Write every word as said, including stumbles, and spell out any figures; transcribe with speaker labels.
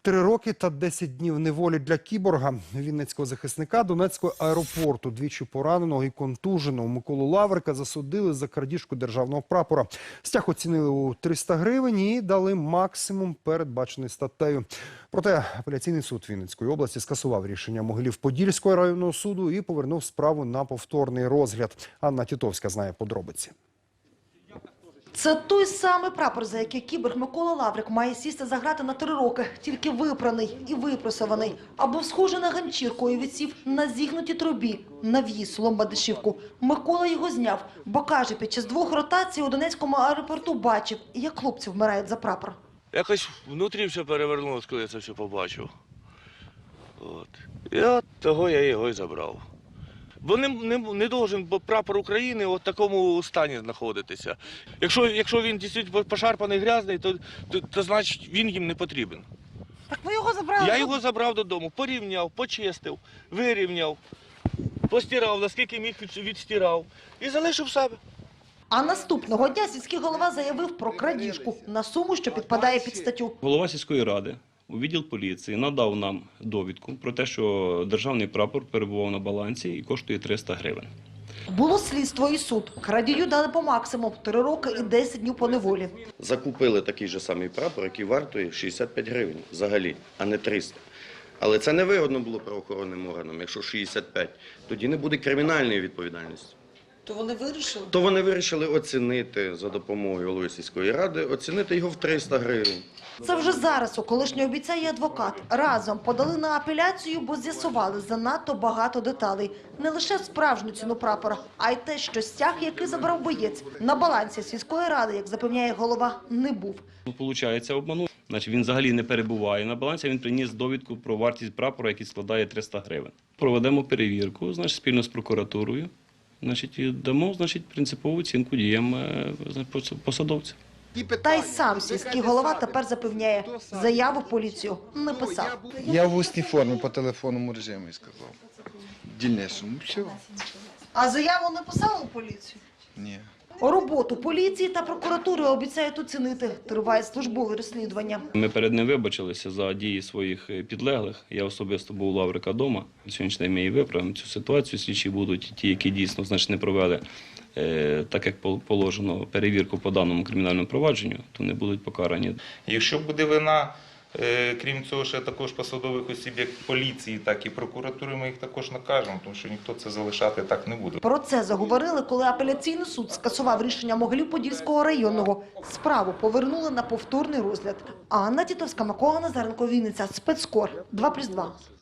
Speaker 1: Три роки та десять днів неволі для кіборга, вінницького захисника Донецького аеропорту, двічі пораненого і контуженого Миколу Лаврика засудили за крадіжку державного прапора. Стяг оцінили у триста гривень і дали максимум, передбачений статтею. Проте апеляційний суд Вінницької області скасував рішення Могилів-Подільського районного суду і повернув справу на повторний розгляд. Анна Тітовська знає подробиці.
Speaker 2: Це той самий прапор, за який кіборг Микола Лаврик має сісти за грати на три роки, тільки випраний і випресований. А був схожий на ганчірку і висів на зігнутій трубі, навіз Ломбардишівку. Микола його зняв, бо каже, під час двох ротацій у Донецькому аеропорту бачив, як хлопці вмирають за прапор.
Speaker 3: Якось внутрі все перевернулося, коли я це все побачив. От. І от того я його і забрав. Бо не, не, не должен прапор України в такому стані знаходитися. Якщо, якщо він дійсно пошарпаний, грязний, то, то, то значить він їм не потрібен.
Speaker 2: Так ви його забрали?
Speaker 3: Я його забрав додому, порівняв, почистив, вирівняв, постирав, наскільки міг відстирав і залишив себе.
Speaker 2: А наступного дня сільський голова заявив про крадіжку на суму, що підпадає під статтю.
Speaker 4: Голова сільської ради у відділ поліції надав нам довідку про те, що державний прапор перебував на балансі і коштує триста гривень.
Speaker 2: Було слідство і суд. Крадію дали по максимуму – три роки і десять днів поневолі.
Speaker 5: Закупили такий же самий прапор, який вартує шістдесят п'ять гривень взагалі, а не триста. Але це не вигодно було правоохоронним органам, якщо шістдесят п'ять, тоді не буде кримінальної відповідальності.
Speaker 2: То вони вирішили?
Speaker 5: То вони вирішили оцінити за допомогою голови сільської ради, оцінити його в триста гривень.
Speaker 2: Це вже зараз у колишнього бійця і адвокат. Разом подали на апеляцію, бо з'ясували занадто багато деталей. Не лише справжню ціну прапора, а й те, що стяг, який забрав боєць, на балансі сільської ради, як запевняє голова, не був.
Speaker 4: Ну, получається, обманув. Значить, він взагалі не перебуває на балансі, він приніс довідку про вартість прапора, який складає триста гривень. Проведемо перевірку, значить, спільно з прокуратурою, значить, і дамо, значить, принципову оцінку діям посадовця.
Speaker 2: Та й сам сільський голова тепер запевняє, заяву в поліцію не писав.
Speaker 6: Я в усній формі по телефонному режимі сказав. Дільнішому. Все.
Speaker 2: А заяву не писав у поліцію?
Speaker 6: Ні.
Speaker 2: Роботу поліції та прокуратури обіцяють оцінити. Триває службове розслідування.
Speaker 4: Ми перед ним вибачилися за дії своїх підлеглих. Я особисто був у Лаврика вдома. Сьогодні день ми і виправимо цю ситуацію. Слідчі будуть ті, які дійсно, значить, не провели, е, так як положено, перевірку по даному кримінальному провадженню, то не будуть покарані.
Speaker 7: Якщо буде вина, е, крім цього, ще також посадових осіб, як поліції, так і прокуратури, ми їх також накажемо, тому що ніхто це залишати так не буде.
Speaker 2: Про це заговорили, коли апеляційний суд скасував рішення Могилів-Подільського районного. Справу повернули на повторний розгляд. Анна Тітовська, Микола Назаренко, Вінниця, Спецкор, два плюс два.